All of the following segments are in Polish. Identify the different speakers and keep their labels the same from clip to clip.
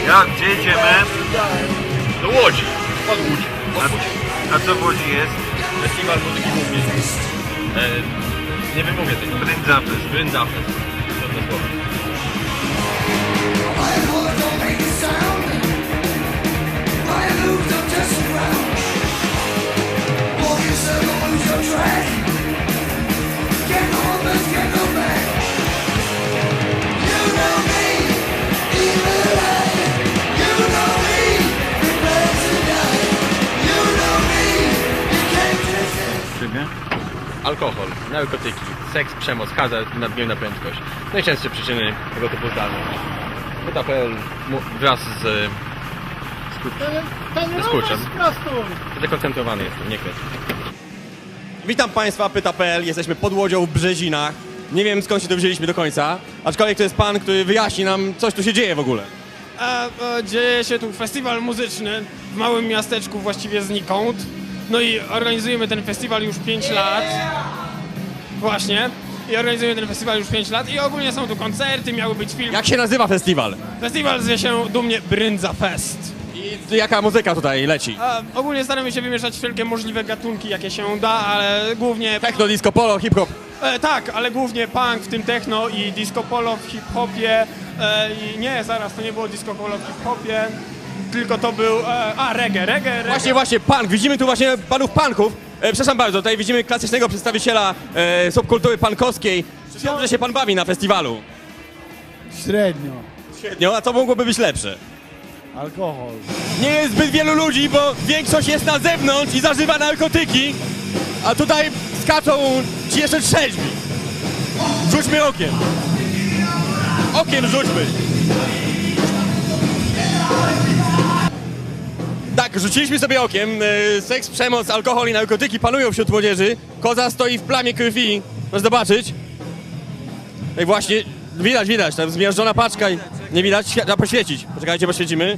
Speaker 1: Jak? Gdzie jedziemy?
Speaker 2: Do Łodzi. Pod Łódź.
Speaker 1: A co w Łodzi jest?
Speaker 2: Festiwal muzyki głównie. Nie wymówię tego.
Speaker 1: Bryndzafest.
Speaker 2: Bryndzafest. Trudne słowo. Alkohol, narkotyki, seks, przemoc, hazard, nadmierna prędkość. Najczęstsze przyczyny tego typu zdarzeń. Pyta.pl wraz z skurczem. Zdekoncentrowany jestem, nie kres.
Speaker 3: Witam Państwa, Pyta.pl, jesteśmy pod Łodzią w Brzezinach. Nie wiem skąd się to wzięliśmy do końca, aczkolwiek to jest pan, który wyjaśni nam, coś tu się dzieje w ogóle.
Speaker 4: Dzieje się tu festiwal muzyczny w małym miasteczku właściwie znikąd. No i organizujemy ten festiwal już 5 lat. Właśnie. I organizujemy ten festiwal już 5 lat i ogólnie są tu koncerty, miały być filmy.
Speaker 3: Jak się nazywa festiwal?
Speaker 4: Festiwal zwie się dumnie Bryndzafest.
Speaker 3: I jaka muzyka tutaj leci?
Speaker 4: Ogólnie staramy się wymieszać wszelkie możliwe gatunki, jakie się da, ale głównie...
Speaker 3: Techno, disco, polo, hip-hop.
Speaker 4: Tak, ale głównie punk, w tym techno i disco polo w hip-hopie. I nie, zaraz, to nie było disco polo w hip-hopie, tylko to był... reggae.
Speaker 3: Właśnie, punk. Widzimy tu właśnie panów punków. Przepraszam bardzo, tutaj widzimy klasycznego przedstawiciela subkultury punkowskiej. Czy dobrze się pan bawi na festiwalu?
Speaker 5: Średnio.
Speaker 3: Średnio, a co mogłoby być lepsze?
Speaker 5: Alkohol.
Speaker 3: Nie jest zbyt wielu ludzi, bo większość jest na zewnątrz i zażywa narkotyki, a tutaj skaczą ci jeszcze trzeźwi. Rzućmy okiem. Okiem rzućmy. Tak, rzuciliśmy sobie okiem. Seks, przemoc, alkohol i narkotyki panują wśród młodzieży. Koza stoi w plamie krwi. Możesz zobaczyć. No i właśnie, widać, tam zmiażdżona paczka i nie widać, trzeba poświecić. Poczekajcie, poświecimy.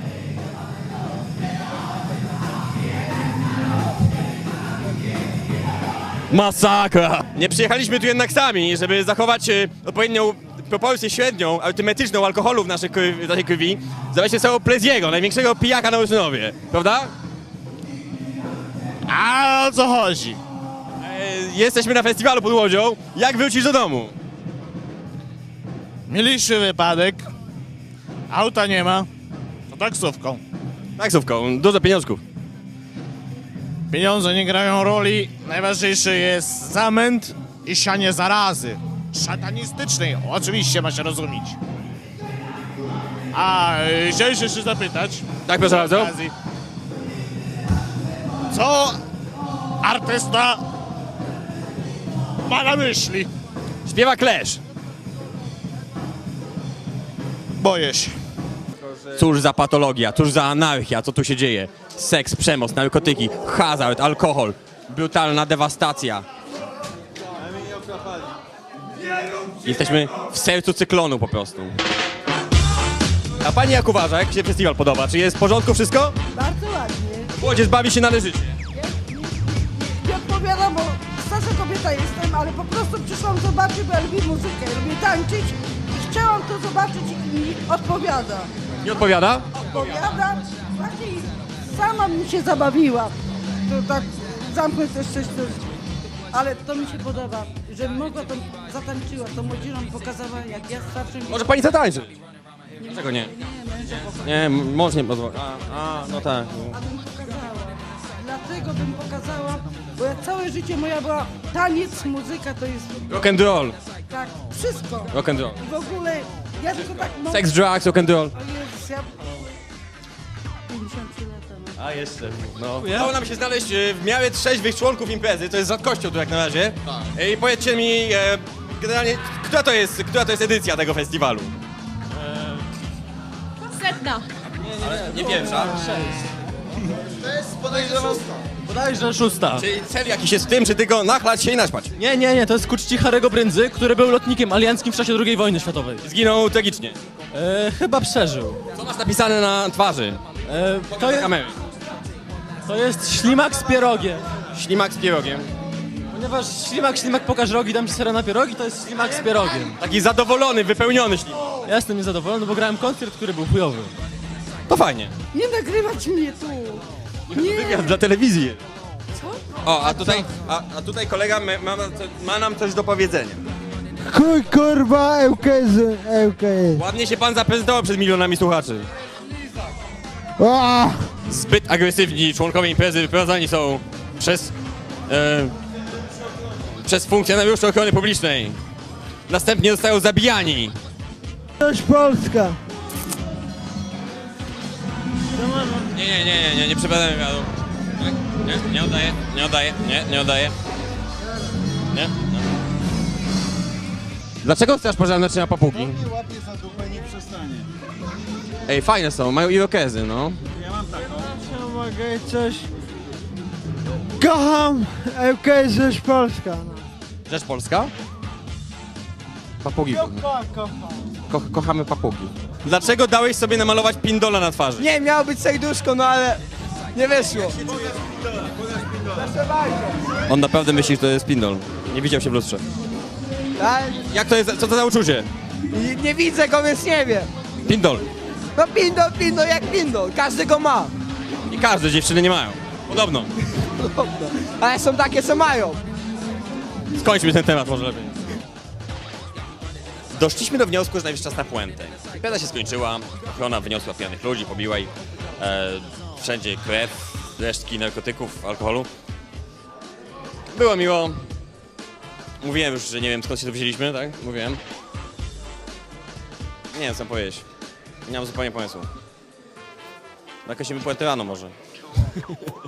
Speaker 3: Masakra! Nie przyjechaliśmy tu jednak sami, żeby zachować odpowiednią proporcję średnią, arytmetyczną alkoholu w naszej krwi. Zobaczcie sobie Pleziego, największego pijaka na Ursynowie, prawda?
Speaker 5: A o co chodzi?
Speaker 3: Jesteśmy na festiwalu pod Łodzią. Jak wrócisz do domu?
Speaker 5: Mieliśmy wypadek. Auta nie ma. To taksówką.
Speaker 3: Taksówką, dużo pieniążków.
Speaker 5: Pieniądze nie grają roli. Najważniejszy jest zamęt i sianie zarazy. Szatanistycznej, oczywiście ma się rozumieć. Chciałem się jeszcze zapytać.
Speaker 3: Tak, proszę bardzo.
Speaker 5: Co artysta ma na myśli?
Speaker 3: Śpiewa Clash.
Speaker 5: Boję się.
Speaker 3: Cóż za patologia, cóż za anarchia, co tu się dzieje? Seks, przemoc, narkotyki, hazard, alkohol, brutalna dewastacja. Jesteśmy w sercu cyklonu po prostu. A pani jak uważa, jak się festiwal podoba? Czy jest w porządku wszystko?
Speaker 6: Bardzo ładnie.
Speaker 3: Młodzież bawi się należycie.
Speaker 6: Nie odpowiadam, bo starsza kobieta jestem, ale po prostu przyszłam zobaczyć, bo ja lubię muzykę, lubię tańczyć i chciałam to zobaczyć i mi odpowiada.
Speaker 3: Nie odpowiada?
Speaker 6: Odpowiada, właśnie i sama mi się zabawiła. To tak zamknę też coś, ale to mi się podoba, że mogła to zatańczyła, to młodzieżom pokazała, jak ja starszym...
Speaker 3: Może pani zatańczy? Dlaczego nie?
Speaker 6: Nie, męża pokazała.
Speaker 3: Nie, mąż nie pozwoli. No tak.
Speaker 6: Abym pokazała. Dlatego bym pokazała, bo ja całe życie moja była taniec, muzyka to jest
Speaker 3: Rock and roll.
Speaker 6: tak, wszystko.
Speaker 3: Rock and roll.
Speaker 6: I w ogóle ja tylko tak mogę.
Speaker 3: Sex, drugs, rock and roll.
Speaker 6: O Jezus, ja 53 lata mam.
Speaker 3: A jeszcze. No. Udało nam się znaleźć w miarę trzeźwych członków imprezy, to jest rzadkością tu jak na razie. Tak. I powiedzcie mi, generalnie, która to jest edycja tego festiwalu?
Speaker 7: Setna.
Speaker 3: Nie pierwsza.
Speaker 8: Bodajże 6.
Speaker 3: Czyli cel jakiś jest w tym, czy tylko nachlać się i naćpać?
Speaker 8: Nie, to jest ku czci Harry'ego Brędzy, który był lotnikiem alianckim w czasie II wojny światowej.
Speaker 3: Zginął tragicznie.
Speaker 8: Chyba przeżył.
Speaker 3: Co masz napisane na twarzy?
Speaker 8: To jest ślimak z pierogiem.
Speaker 3: Ślimak z pierogiem.
Speaker 8: Ponieważ ślimak pokaż rogi, dam ci sera na pierogi, to jest ślimak z pierogiem.
Speaker 3: Taki zadowolony, wypełniony ślimak.
Speaker 8: Ja jestem niezadowolony, bo grałem koncert, który był chujowy.
Speaker 3: To fajnie.
Speaker 6: Nie nagrywać mnie tu. Nie.
Speaker 3: Wywiad dla telewizji.
Speaker 6: Co?
Speaker 3: O, a tutaj kolega ma nam coś do powiedzenia.
Speaker 7: Chuj, kurwa, ŁKS.
Speaker 3: Ładnie się pan zaprezentował przed milionami słuchaczy. Zbyt agresywni członkowie imprezy wyprowadzani są przez funkcjonariuszy ochrony publicznej. Następnie zostają zabijani.
Speaker 7: Coś Polska.
Speaker 3: Nie przeprowadzamy wywiadu. Nie oddaję. Nie. Dlaczego chcesz pożarne naczynia papugi?
Speaker 7: Łapie za dupę, nie przestanie.
Speaker 3: Ej, fajne są, mają irokezy, no.
Speaker 7: Ja mogę coś... Kocham ŁKS Rzecz Polska. No.
Speaker 3: Rzecz Polska? Papugi. Kochamy papugi. Dlaczego dałeś sobie namalować pindola na twarzy?
Speaker 9: Nie, miało być serduszko, no ale nie wyszło.
Speaker 3: On naprawdę myśli, że to jest pindol. Nie widział się w lustrze.
Speaker 9: Tak?
Speaker 3: Jak to jest, co to za uczucie?
Speaker 9: Nie widzę go, więc nie wiem.
Speaker 3: Pindol.
Speaker 9: No pindol jak pindol, każdy go ma.
Speaker 3: I każde dziewczyny nie mają. Podobno.
Speaker 9: Ale są takie, co mają.
Speaker 3: Skończmy ten temat może lepiej. Doszliśmy do wniosku, że najwyższy czas na puentę. Impreza się skończyła, ochrona wyniosła pijanych ludzi, pobiła ich. Wszędzie krew, resztki narkotyków, alkoholu. Było miło. Mówiłem już, że nie wiem skąd się tu wzięliśmy, tak? Mówiłem. Nie wiem co powiedzieć. Nie mam zupełnie pomysłu. Jakoś się puentę rano może.